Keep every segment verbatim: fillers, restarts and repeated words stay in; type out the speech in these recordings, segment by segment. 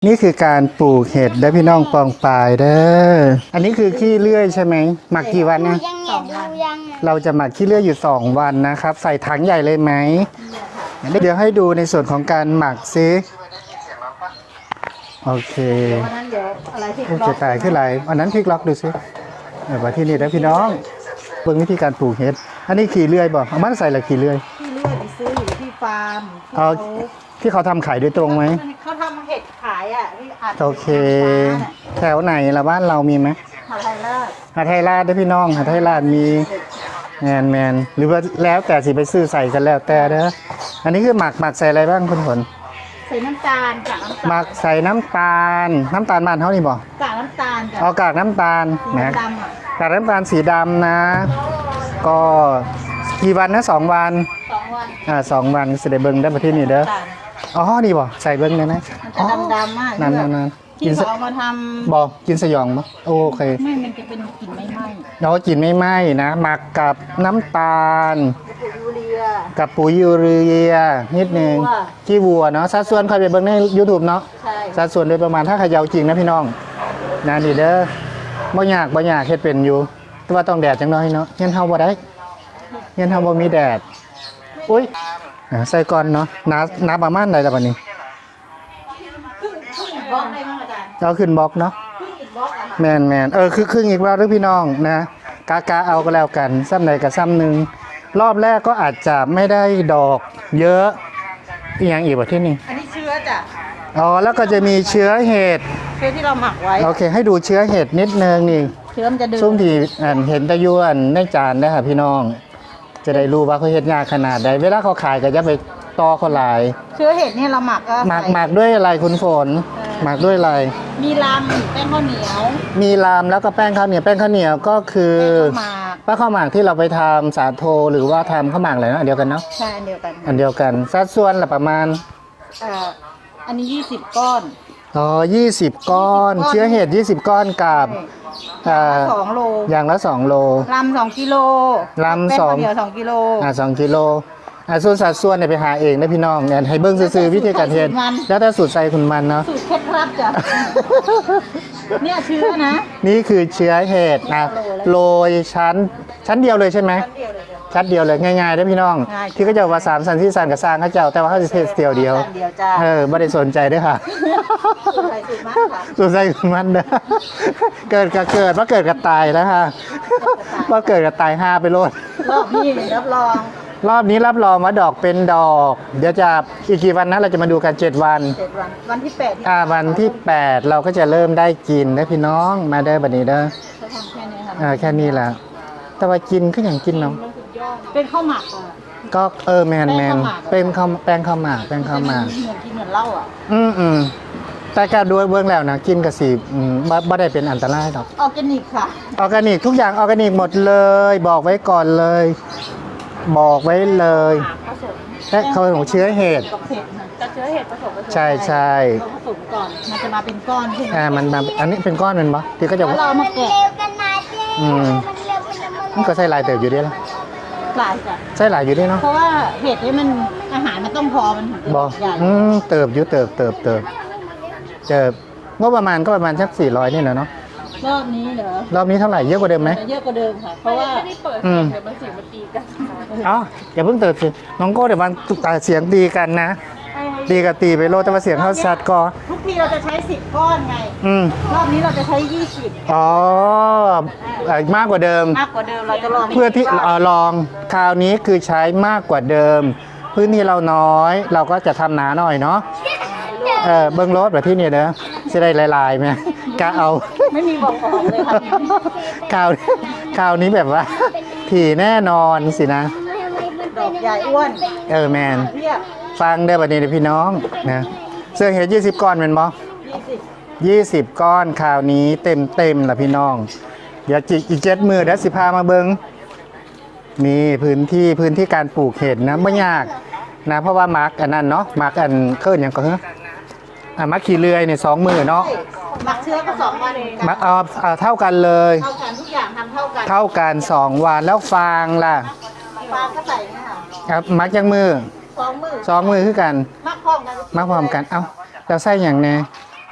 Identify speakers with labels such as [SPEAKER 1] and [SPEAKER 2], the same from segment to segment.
[SPEAKER 1] นี่คือการปลูกเห็ดได้พี่น้องปองปลายเด้ออันนี้คือขี้เลื่อยใช่ไหมหมักกี่วันนะ
[SPEAKER 2] ยังไงดูยังไง
[SPEAKER 1] เราจะหมักขี้เลื่อยอยู่สองวันนะครับใส่ถังใหญ่เลยไหมเดี๋ยวให้ดูในส่วนของการหมักซิโอเค
[SPEAKER 3] วันนั้นเดี๋ยวอะไรที่
[SPEAKER 1] โอ้จะตายขึ้นไรอันนั้นพลิกล็อกดูซิเออมาที่นี่นะพี่น้องเบิ่งวิธีการปลูกเห็ดอันนี้ขี้เลื่อยบอกเอามันใส่ละขี้เลื่อย
[SPEAKER 3] ที่เลื่อยไปซื้ออยู่ที่ฟาร์ม
[SPEAKER 1] เอาที่เขาทำขายโดยตรงไหม
[SPEAKER 3] เขาทำเห็ดขายอ่ะที่อัด
[SPEAKER 1] โอเคแถวไหนละบ้านเรามีไหม
[SPEAKER 3] หาไทยราช
[SPEAKER 1] หาไทยราชได้พี่น้องหาไทยราชมีแมนแมนหรือว่าแล้วแต่สิไปซื้อใส่กันแล้วแต่เด้ออันนี้คือหมักหมักใส่อะไรบ้างคุณผล
[SPEAKER 3] ใส่น้ำตาลกากน้ำตาล
[SPEAKER 1] หมักใส่น้ำตาลน้ำตาลบ้านเขานี่บอก
[SPEAKER 3] กากน้ำตาล
[SPEAKER 1] เอากากน้ำตาลนะกากน้ำตาลสีดำนะ ก็กี่วันนะสองวัน
[SPEAKER 3] สองวัน
[SPEAKER 1] อ่าสองวันเสด็จเบิ้งได้ประเทศนี้เด้ออ๋อนี่บอกใส่เบิ้งได้ไหม
[SPEAKER 3] มันจะดำๆมาก
[SPEAKER 1] นั่นนั่นนั่น
[SPEAKER 3] ที่เขาเอามาทำ
[SPEAKER 1] บอกกินสยองมั้ยโอเค
[SPEAKER 3] ไม่มันจะเป็นกลิ่นไม่ไหม้
[SPEAKER 1] เรากินไม่ไหม้นะหมักกับน้ำตาลกับปุ๋ยยูเรียนิดนึงขี้วัวเนาะสัดส่วนใครไปเบิ้งใน YouTube เนาะสัดส่วนโดยประมาณถ้าเขย่าจริงนะพี่น้องนะนี่เด้อบ่ยากบ่ยากเฮ็ดเป็นอยู่แต่ว่าต้องแดดจังน้อยเนาะเงี้ยเฮาบ่ได้เงี้ยเฮาบ่มีแดดอุ้ยใส่ก่อนเนาะน้ำน้ำประมาณใดล่ะบัดนี้
[SPEAKER 3] บล็อกได้มั้งอาจารย์
[SPEAKER 1] เอาขึ้นบล็อกเนาะแมนแมนเออคือครึ่งอีกแล้วหรือพี่น้องนะกากาเอาก็แล้วกันซ้ำใดกับซ้ำหนึ่งรอบแรกก็อาจจะไม่ได้ดอกเยอะอีกอย่างอีกว่าที่นี่
[SPEAKER 3] อันนี้เชื้อจ้ะ
[SPEAKER 1] อ๋อแล้วก็จะมีเชื้อเห็ด
[SPEAKER 3] เชื้อที่เราหมักไว้
[SPEAKER 1] โอเคให้ดูเชื้อเห็ดนิดนึงนี่
[SPEAKER 3] เชื้อมันจะดึง
[SPEAKER 1] ซุ่มที่เห็นตะยวนในจานได้ค่ะพี่น้องจะได้รู้ว่าเขาเห็ดยากขนาดใดเวลาเขาขายก็จะไปต่อเขาหลาย
[SPEAKER 3] เชื้อเห็ดนี่เราหมักก็
[SPEAKER 1] หมักหมักด้วยอะไรคุณฝนหมักด้วยอะไร
[SPEAKER 3] มีลำแป้งข้าวเหนียว
[SPEAKER 1] มีลำแล้วก็แป้งข้าวเหนียวแป้งข้าวเหนียวก็คือแป้งข้าวหมากที่เราไปทำสาโทหรือว่าทำข้าวหมากอะไรนะอันเดียวกันเนาะ
[SPEAKER 3] ใช่อันเดียวกัน
[SPEAKER 1] อันเดียวกันสัดส่วนละประมาณ
[SPEAKER 3] อ่าอันนี้ยี่สิบก้อน
[SPEAKER 1] อ๋อยี่สิบก้อนเชื้อเห็ดยี่สิบก้อนกับ
[SPEAKER 3] อ่าสองโล
[SPEAKER 1] อย่างละสองโล
[SPEAKER 3] ลำสองกิโล
[SPEAKER 1] ลำสอง
[SPEAKER 3] เดียวสองกิโล
[SPEAKER 1] อ่าสองกิโลอ่าส่วนสัดส่วนเนี่ยไปหาเองนะพี่น้องเนี่ยให้เบิ้งซื้อวิธีการเฮ็ดแล้วแต่สูตรใส่คุณมันเนาะ
[SPEAKER 3] สูตรเคล็ดลับจ้ะเนี่ยเชื้อนะ
[SPEAKER 1] นี่คือเชื้อเห็ดนะโรยชั้นชั้นเดียวเลยใช่ไหมชั้นเดียวเลยง่ายๆได้พี่น้องที่เขาจะว่าสามสันที่สันกับสร้างเขาเจ้าแต่ว่าเขาจะเทสเดียวเดียวเออไม่ได้สนใจด้วยค่ะสูตรใส่คุณมันเด้อเกิดกับเกิดว่าเกิดกับตายแล้วค่ะว่าเกิดกับตายห้าไปโลด
[SPEAKER 3] รอบนี้รับรอง
[SPEAKER 1] รอบนี้รับรองว่าดอกเป็นดอกเดี๋ยวจะอีกกี่วันนะเราจะมาดูกันเจ็ดวัน
[SPEAKER 3] เจ็ดวันวันที่แปด
[SPEAKER 1] อ่าวันที่แปดเราก็จะเริ่มได้กินนะพี่น้องมาได้บัดนี้เด้อ
[SPEAKER 3] เขาทำแค่นี้ค่ะ
[SPEAKER 1] อ่าแค่นี้แหละแต่ว่ากินก็อย่างกินเนาะ
[SPEAKER 3] เป็นข้าวหมักอ่ะ
[SPEAKER 1] ก็เออแมนแมนเป็นข้าวแป้งข้าวหมากแป้งข้าวหมาก
[SPEAKER 3] เหมือนกินเหมือนเหล้าอ่ะ
[SPEAKER 1] อืมอืมแต่การดูเบื้องแล้วนะกินกับสีบ่บ่ได้เป็นอันตรายหรอก
[SPEAKER 3] ออร์แกนิกค่ะ
[SPEAKER 1] ออร์แกนิกทุกอย่างออร์แกนิกหมดเลยบอกไว้ก่อนเลยบอกไว้เลยและเขาของเชื้อเห็ด
[SPEAKER 3] จะเชื้อเห็ดผสม
[SPEAKER 1] ใช่ใช่
[SPEAKER 3] ผสมก่อนมันจะมาเป็นก้อนขึ้น
[SPEAKER 1] อ่ามันมาอันนี้เป็นก้อนมันปะที่ก็จะ
[SPEAKER 3] เรามาแกะ
[SPEAKER 1] อืมมันก็ใส่ลายเติบอยู่ดีแล้ว
[SPEAKER 3] ลายจ้ะ
[SPEAKER 1] ใส่ลายอยู่ดีเนาะ
[SPEAKER 3] เพราะว่าเห็ดนี่มันอาหารมันต้องพอมันถึง
[SPEAKER 1] จะใหญ่อืมเติบอยู่เติบเติบเติบเติบงบประมาณก็ประมาณสักสี่ร้อยนี่แหละเนาะ
[SPEAKER 3] รอบนี้เหรอ
[SPEAKER 1] รอบนี้เท่าไหร่เยอะกว่าเดิมไหม
[SPEAKER 3] เยอะกว่าเดิมค่ะเพราะว่าไม่ได้เปิดเดี๋ยวมันเสียงมันตีกัน
[SPEAKER 1] อ๋ออย่าเพิ่งเติบสิน้องโก้เดี๋ยวมันเสียงตีกันนะตีกับตีไปโลแต่ว่าเสียงเข้าชัดก็
[SPEAKER 3] ทุกทีเราจะใช้สิบก้อนไงอืมรอบนี้เราจะใช้ยี่สิบ
[SPEAKER 1] อ๋อมากกว่าเดิม
[SPEAKER 3] มากกว่าเดิมเราจะลอง
[SPEAKER 1] เพื่อที่ลองคราวนี้คือใช้มากกว่าเดิมพื้นที่เราน้อยเราก็จะทำหนาหน่อยเนาะเออเบิ้งรถแบบที่นี่เด้อจะได้ลายๆไหมกะเอา
[SPEAKER 3] ไม่มีบอกของเลยค่ะ
[SPEAKER 1] คราวคราวนี้แบบว่าถี่แน่นอนสินะ
[SPEAKER 3] ดอกใหญ่อ้วน
[SPEAKER 1] เออแมนฟังได้แบบนี้เลยพี่น้องนะเสื้อเห็ดยี่สิบก้อนเป็นบ่ยี่สิบก้อนคราวนี้เต็มเต็มละพี่น้องเดี๋ยวจิอีกเจ็ดมือเดี๋ยวสิพามาเบิ้งนี่พื้นที่พื้นที่การปลูกเห็ดนะไม่ยากนะเพราะว่ามาร์กอันนั้นเนาะมาร์กอันเคลื่อนอย่างก็เฮ้อ่ะมาร์กขี่เลื่อยเนี่ยสองมือเนาะ
[SPEAKER 3] มาร์กเชื้อก็สองวันเอง
[SPEAKER 1] มาร์กเอาเอาเท่ากันเลย
[SPEAKER 3] เท่ากันทุกอย่างทำเท่ากัน
[SPEAKER 1] เท่ากันสองวันแล้วฟางล่ะ
[SPEAKER 3] ฟางก็ใส่เนี่ยค่ะ
[SPEAKER 1] ครับมาร์กยังมือ
[SPEAKER 3] สองมือ
[SPEAKER 1] สองมือคือกัน
[SPEAKER 3] มาร์กพร้อมกัน
[SPEAKER 1] มาร์กพร้อมกันเอ้าเราใส่อย่างแน่
[SPEAKER 3] ฮะ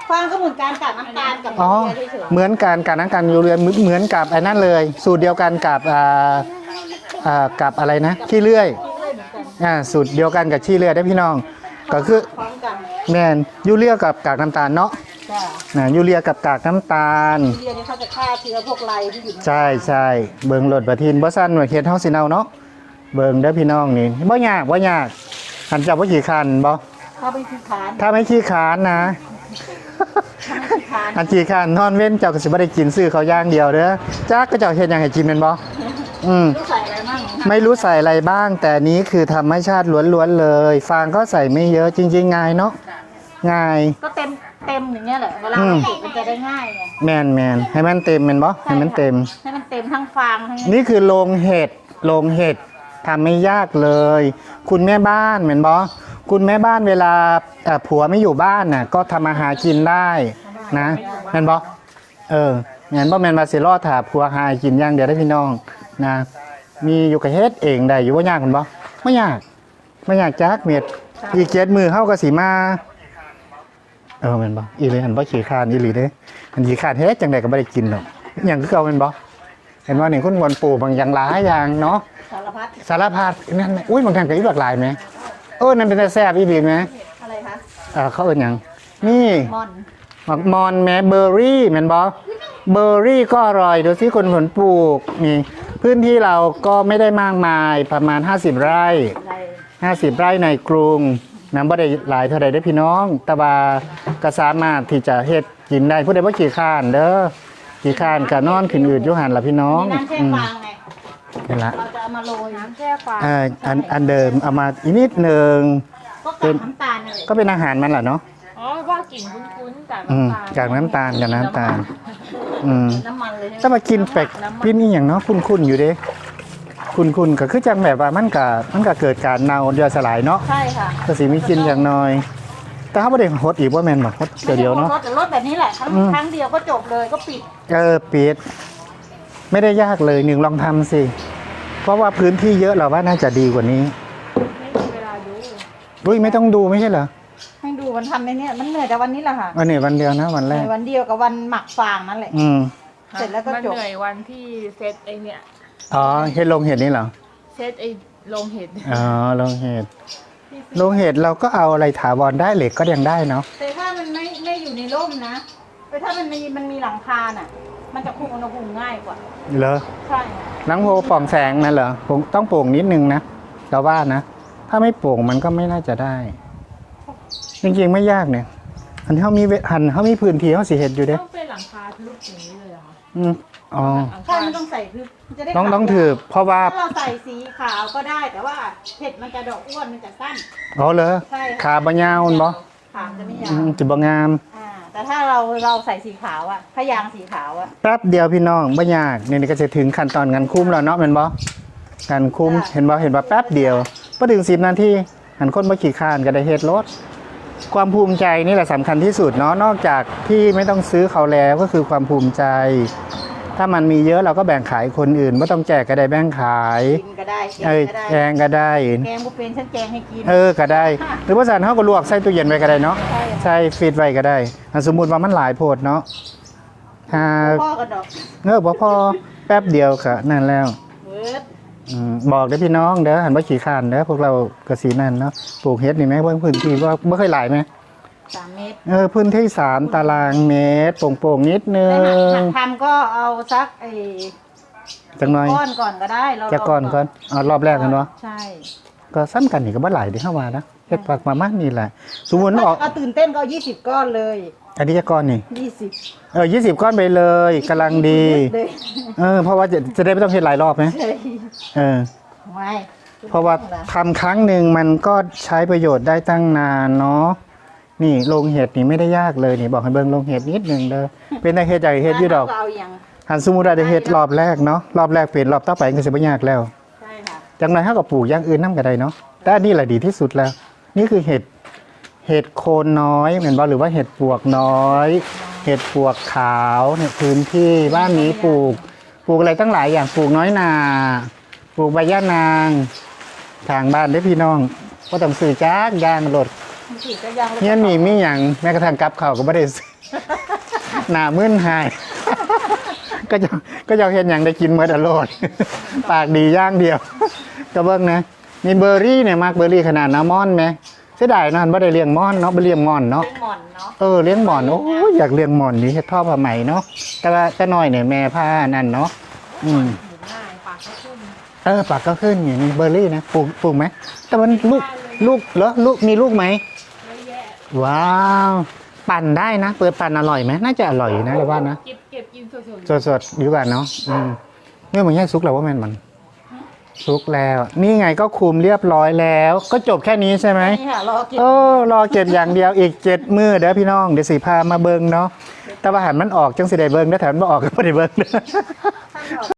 [SPEAKER 3] ฟางก็เหมือนการกัดน้ำตาลกับ
[SPEAKER 1] อ๋อ
[SPEAKER 3] ยูเรียเฉย
[SPEAKER 1] เหมือนกันกับน้ำกันยูเรียเหมือนเหมือนกับไอ้นั่นเลย สูตรเดียวกันกับอ่าอ่ากับอะไรนะขี้เลื่อย
[SPEAKER 3] ๆเรื่อยๆเหมือนกัน
[SPEAKER 1] อ่าสูตรเดียวกันกับขี้เลื่อยได้อพี่น้อง ก็คือ
[SPEAKER 3] พร้อมกัน
[SPEAKER 1] แมนยูเรียกับกากน้ำตาลเนาะ
[SPEAKER 3] จ้ะ
[SPEAKER 1] นะยูเรียกับกากน้ำตาล
[SPEAKER 3] ยูเรียเนี่ยเขาจะฆ่าเชื้อพวกไรที่อยู่ใน
[SPEAKER 1] ใช่ใช่เบิงโหลดประทินบ่สั้นว่าเฮ็ดเฮาสิเอาเนาะเบิงเด้อพี่น้องนี่บ่ยากบ่ยากหันจับบ่ขี้คันบ่
[SPEAKER 3] เขาไปขี้คาน
[SPEAKER 1] ถ้าไม่ขี้คร้านนะ
[SPEAKER 3] เขาไม่ขี้คาน
[SPEAKER 1] อันขี้คร้านนอนเว้นเจ้าก็สิบ่ได้กินซื้อเขาวอย่างเดียวเด้อจักก็เจ้าเฮ็ดหยังให้กินแม่นบ่อืม
[SPEAKER 3] รู้ใส่อะไรมั่ง
[SPEAKER 1] ไม่รู้ใส่อะไรบ้าง แต่นี้คือธรรมชาติล้วนๆเลย ฟางก็ใส่ไม่เยอะจริงๆง่ายเนาะง่าย
[SPEAKER 3] ก็เต็มเต็มอย่างเงี้ยแหละเวลา
[SPEAKER 1] อืม
[SPEAKER 3] เราติดมันจะได้ง่ายไง
[SPEAKER 1] แมนแมนให้มันเต็มแม่นบ่ให้มันเต็ม
[SPEAKER 3] ให้มันเต็มทั้งฟางทั้ง
[SPEAKER 1] นี่คือโรงเห็ดโรงเห็ดทำไม่ยากเลย คุณแม่บ้านเหมือนบอคุณแม่บ้านเวลาเอ่อผัวไม่อยู่บ้านน่ะก็ทำอาหารกินได้นะแมนบอเออแมนบอแมนมาสิรอดถาผัวหากินอย่างเดียวได้พี่น้องนะมีอยู่กับเฮ็ดเองได้อยู่ว่ายากคุณบอไม่ยากไม่ยากจักเม็ดอีกเจ็ดมือเข้ากับสีมาเออแมนบออีเลยหันบอขี่คร้านอีหลีเด้อันขี่คร้านเฮ็ดจังใดก็ไม่ได้กินหรอกอย่างคือเก่าแมนบอ เห็นว่านี่คุณวนปู่บางอย่างหลายอย่างเนาะ
[SPEAKER 3] สารพัด
[SPEAKER 1] สารพัดนั่นน่ะอุ้ยบางครั้งก็อีกหลากหลายไหมเออนั่นเป็นแต่แซ่บอีบีไหม
[SPEAKER 3] อะไรคะ
[SPEAKER 1] เออเขาเอิ้นหยังนี่
[SPEAKER 3] มอน
[SPEAKER 1] หมักมอนแม้เบอร์รี่แม่นบอเบอร์รี่ก็อร่อยดูสิคนผลปลูกนี่พื้นที่เราก็ไม่ได้มากมายประมาณ ห้าสิบ ไร่
[SPEAKER 3] อะไร
[SPEAKER 1] 50 ไร่ในกรุงน้ำบ่ได้หลายเท่าใดได้อพี่น้อง แต่ว่าก็สามารถที่จะเฮ็ดกินได้ผู้ใดบ่ขี้ข้านเด้อขี้ข้านก็นอนขึ้นอืดอยู่หันล่ะพี่น้อง
[SPEAKER 3] มีน้ำแช่
[SPEAKER 1] อืม
[SPEAKER 3] ฟางไง
[SPEAKER 1] นี่ละ
[SPEAKER 3] เราจะเอามาโรยน้ำแช่ฟาง
[SPEAKER 1] เอ่ออันอันเดิมเอามาอีกนิดหนึ่ง
[SPEAKER 3] ก็กับน้ำตาลเลย
[SPEAKER 1] ก็เป็นอาหารมันแหละเนาะ
[SPEAKER 2] อ๋อว่ากลิ่นคุ้นๆจาก
[SPEAKER 1] อืม
[SPEAKER 2] น้ำตาล
[SPEAKER 1] จากน้ำตาลกับน้ำตาล อืม
[SPEAKER 3] น้ำมันเลยใช่ไหม
[SPEAKER 1] ถ้ามากินแปลกกินนี่อย่างเนาะคุ้นๆอยู่เด้คุ้นๆก็คือจังแบบว่ามันก็มันก็เกิดการเน่าย่อยสลายเนาะ
[SPEAKER 3] ใช่ค่ะ
[SPEAKER 1] ก็สิมีกินอย่างน้อย แต่เขาไม่ได้ฮดอีกว่าแม่นบ่ฮดเดียวๆเนาะ
[SPEAKER 3] รถแต่รถแบบนี้แหละครั้ง
[SPEAKER 1] อืม
[SPEAKER 3] ครั้งเดียวก็จบเลยก็ปิด
[SPEAKER 1] เออปิดไม่ได้ยากเลยหนึ่งลองทำสิ เพราะว่าพื้นที่เยอะเราว่าน่าจะดีกว่านี้
[SPEAKER 2] ไม่มีเวลาดู
[SPEAKER 1] อุ้ยไม่ต้องดูไม่ใช่เหรอ
[SPEAKER 3] ให้ดูมันทำในเนี้ยมันเหนื่อยแต่วันนี้แหละค่ะ
[SPEAKER 1] วันนี้วันเดียวนะวันแร
[SPEAKER 3] ใน
[SPEAKER 1] ก
[SPEAKER 3] วันเดียวกับวันหมักฟางนั่นแหละ
[SPEAKER 1] อืม
[SPEAKER 3] เสร็จแล้วก็
[SPEAKER 2] มัน
[SPEAKER 3] จบ
[SPEAKER 2] เหนื่อยวันที่เซตไอเนี่ย
[SPEAKER 1] อ๋อเห็ดลงเห็ดนี่เหรอ
[SPEAKER 2] เซตไอโรงเห็ด
[SPEAKER 1] อ๋อลงเห็ดลงเห็ดเราก็เอาอะไรถาวรได้เหล็กก็ยังได้เนาะ
[SPEAKER 3] แต่ถ้ามันไม่ไม่อยู่ในร่มนะแต่ถ้ามันมีมันมีหลังคาน่ะ มันจะคุมอุณหภูมิง่ายกว่า
[SPEAKER 1] เหรอ
[SPEAKER 3] ใช่
[SPEAKER 1] หลังโพปล่องแสงนั่นเหรอผมต้องโปร่งนิดนึงนะเราว่านะ ถ้าไม่โปร่งมันก็ไม่น่าจะได้ จริงๆไม่ยากเนี่ยหันเขามีเวหันเขามีพื้นที่เขาสิเห็ดอยู่เด้
[SPEAKER 2] ต้องเป็นหลังคาทึบอย่างนี้เลยเหรอคะ
[SPEAKER 1] อืมอ๋อ
[SPEAKER 2] หลัง
[SPEAKER 3] ใช่
[SPEAKER 2] คา
[SPEAKER 3] ไม่ต้องใส่คือมันจะได้
[SPEAKER 1] ต้อง
[SPEAKER 3] ขาว
[SPEAKER 1] ต้องถือเพราะว่า
[SPEAKER 3] ถ้าเราใส่สีขาวก็ได้ แต่ว่าเห็ดมันจะดอกอ้วนมันจะสั้น
[SPEAKER 1] อ๋อเหรอ
[SPEAKER 3] ใช่ค่ะ
[SPEAKER 1] ขาบะยาวมันบ่
[SPEAKER 3] ขาวจะไม่ยา
[SPEAKER 1] อื
[SPEAKER 3] ว
[SPEAKER 1] มจิบงาม
[SPEAKER 3] อ่าแต่ถ้าเราเราใส่สีขาวอะพยางสีขาวอะ
[SPEAKER 1] แป๊บเดียวพี่น้องไม่ยากนี่นี่ก็จะถึงขั้นตอนงานคุ้มแล้วเนาะเป็นบ่งานคุ้มเห็นบ่เห็นบ่แป๊บเดียวพอถึงสิบนาทีหันคนบ่ขี่ข้านก็ได้เฮ็ดรถความภูมิใจนี่แหละสำคัญที่สุดเนาะนอกจากที่ไม่ต้องซื้อเขาแล้วก็คือความภูมิใจ ถ้ามันมีเยอะเราก็แบ่งขายคนอื่นไม่ต้องแจกก็ได้แบ่งขาย
[SPEAKER 3] กินก็ได้แก
[SPEAKER 1] เอ้ย
[SPEAKER 3] งก็ได้
[SPEAKER 1] แกงก็ได้
[SPEAKER 3] แกงบุฟเฟ่ต์ฉันแกงให้กิน
[SPEAKER 1] เออก็ได้ หรือว่าสันเขาก็ลวกใส่ตู้เย็นไว้ก็ได้เนาะ
[SPEAKER 3] ใช่
[SPEAKER 1] ใช่ฟีดไว้ก็ได้อ่ะสมมุติว่ามันหลายโพดเนาะถ้า
[SPEAKER 3] พ่อกับดอก
[SPEAKER 1] เงอบ่พอแป๊บเดียวก็นั่นแล้ว
[SPEAKER 3] เวิร์ด
[SPEAKER 1] อืมบอกได้อพี่น้องเด้อหันว่าขี่ขานเด้อพวกเรากระสีนั่นเนาะปลูกเฮ็ดนี่ไหมเบิ่งพื้นที่ว่าไม่เคยหลายไหม
[SPEAKER 3] สามเมตร
[SPEAKER 1] เออพื้นที่สามตารางเมตรโป่งๆนิดนึ
[SPEAKER 3] แต่หัก
[SPEAKER 1] ง
[SPEAKER 3] หักทำก็เอาสักไอ้
[SPEAKER 1] จังหน่อย
[SPEAKER 3] ก้อนก่อนก็ได้เรา
[SPEAKER 1] จะก่อนก่อนเอารอบแรกกันเนาะ
[SPEAKER 3] ใช่
[SPEAKER 1] ก็ซ้ำกันนี่ก็บ่หลายเด้อเฮาว่านะเฮ็ดปากมามานี่แหละสมมุติออก
[SPEAKER 3] เอาตื่นเต้นก็เอายี่สิบก้อนเลย
[SPEAKER 1] อันนี้จะก้อนนี่
[SPEAKER 3] ยี่สิบ
[SPEAKER 1] เออยี่สิบก้อนไปเลยกำลังดี
[SPEAKER 3] เลย
[SPEAKER 1] เออเพราะว่าจะจะได้ไม่ต้องเฮ็ดหลายรอบไหม
[SPEAKER 3] เลย
[SPEAKER 1] เออ
[SPEAKER 3] ไม่
[SPEAKER 1] เพราะว่าทำครั้งหนึ่งมันก็ใช้ประโยชน์ได้ตั้งนานเนาะนี่โรงเห็ดนี่ไม่ได้ยากเลยนี่บอกให้เบิ่งโรงเห็ดนิดหนึงเด้อเป็นได้เฮ็ดใหญ่เฮ็ดอยู่ดอก
[SPEAKER 3] เาเอาอย่าง
[SPEAKER 1] หันสมมุติว่าได้เฮ็ดรอบแรกเนาะรอบแรกเป็นรอบต่อไปก็สิบ่ยากแล้ว
[SPEAKER 3] ใช่ค่ะ
[SPEAKER 1] จังได๋เฮาก็ปลูกอย่างอื่นนำก็ได้เนาะแต่อันนี่แหละดีที่สุดแล้ว นี่คือเห็ดเห็ดโคนน้อยเหมือนบ่หรือว่าเห็ดปวกน้อย เห็ดปวกขาวเนี่ยพื้นที่บ้านนี้ปลูก ปลูกอะไรตั้งหลายอย่างปลูกน้อยนาปลูกใบย่านางทางบ้านเด้อพี่น้องบ่ต้องซื้อจักอย่างรถ
[SPEAKER 3] มันฉีดก็ยัง
[SPEAKER 1] เฮียนมีมีหยังแม้กระทั่งกับข้าวก็บ่ได้ซื้อหน้ามึนหาย ก็จะก็จะเห็นอย่างได้กินเมื่ออร่อยปากดีอย่างเดียว ก็เบิ่งนะมีเบอร์รี่เนี่ยมากเบอร์รี่ขนาดน้ำม่อนไหมเสียดายนะบ่ได้เลี้ยงม่อนเนาะไปเลี้ยงม่อนเนาะ
[SPEAKER 3] เป็นหมอนเนาะ
[SPEAKER 1] เออเลี้ยงหมอนโอ้ยอยากเลี้ยงหมอนนี่เฮ็ดท่อผ้าไหมเนาะแต่ว่าแต่น้อยเนี่ยแม่ผ้านั่นเนาะอืม
[SPEAKER 2] หมูง่ายปากก็ขึ้น
[SPEAKER 1] เออปากก็ขึ้นอย่างนี้เบอร์รี่นะปลูกปลูกไหมแต่มันลูกลูกเหรอลูกมีลูกไหม
[SPEAKER 2] เยอะแยะ
[SPEAKER 1] ว้าวปั่นได้นะ เปิดปั่นอร่อยไหมน่าจะอร่อยอยู่นะเราว่านะ
[SPEAKER 2] เก็บเก็บกินสดๆ
[SPEAKER 1] สดๆดีกว่าเนาะอืมเนี่ยมันแค่ซุกแล้วว่าแม่นมันซุกแล้ว นี่ไงก็คุมเรียบร้อยแล้ว ก็จบแค่นี้ใช่ไหม
[SPEAKER 3] นี่ค่ะรอกิน
[SPEAKER 1] เออรอเก็บอย่างเดียวอีกเจ็ดมือเด้อพี่น้องเดี๋ยวสีพามาเบิงเนาะแต่ว่าหันมันออกจังสิได้เบิงได้อถ้ามันบ่ออกก็บ่ได้เบิงเด้อ